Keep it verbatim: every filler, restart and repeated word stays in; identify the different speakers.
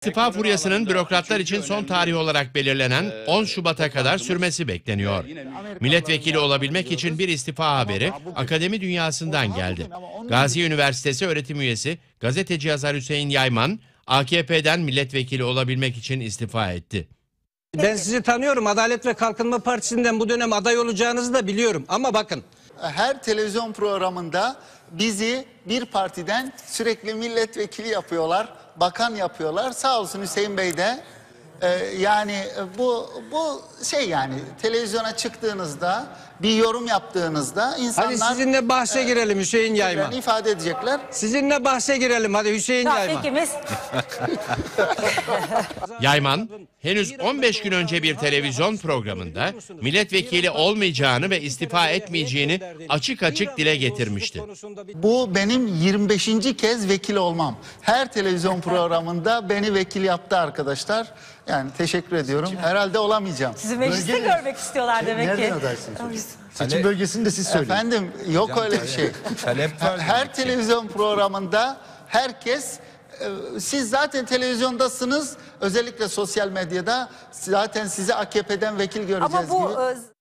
Speaker 1: İstifa furyasının bürokratlar için son tarih olarak belirlenen on Şubat'a kadar sürmesi bekleniyor. Milletvekili olabilmek için bir istifa haberi akademi dünyasından geldi. Gazi Üniversitesi öğretim üyesi gazeteci yazar Hüseyin Yayman, A K P'den milletvekili olabilmek için istifa etti.
Speaker 2: Ben sizi tanıyorum. Adalet ve Kalkınma Partisi'nden bu dönem aday olacağınızı da biliyorum. Ama bakın.
Speaker 3: Her televizyon programında bizi bir partiden sürekli milletvekili yapıyorlar, bakan yapıyorlar. Sağ olsun Hüseyin Bey de e, yani bu bu şey yani televizyona çıktığınızda bir yorum yaptığınızda insanlar
Speaker 2: Hadi sizinle bahse
Speaker 3: e,
Speaker 2: girelim Hüseyin Yayman.
Speaker 3: ifade edecekler.
Speaker 2: Sizinle bahse girelim hadi Hüseyin
Speaker 4: Ya
Speaker 2: Yayman.
Speaker 4: ikimiz.
Speaker 1: Yayman, henüz on beş gün önce bir televizyon programında milletvekili olmayacağını ve istifa etmeyeceğini açık açık dile getirmişti.
Speaker 3: Bu benim yirmi beşinci kez vekil olmam. Her televizyon programında beni vekil yaptı arkadaşlar. Yani teşekkür ediyorum. Herhalde olamayacağım.
Speaker 4: Sizi mecliste
Speaker 5: Bölge-
Speaker 4: görmek istiyorlar demek ki.
Speaker 5: Nereden adaysınız? Seçim bölgesini de siz söyleyin.
Speaker 3: Efendim yok öyle bir şey.
Speaker 6: Talep var
Speaker 3: Her
Speaker 6: demek ki.
Speaker 3: televizyon programında herkes e, siz zaten televizyondasınız, özellikle sosyal medyada zaten sizi A K P'den vekil göreceğiz
Speaker 4: Ama bu
Speaker 3: gibi.
Speaker 4: e,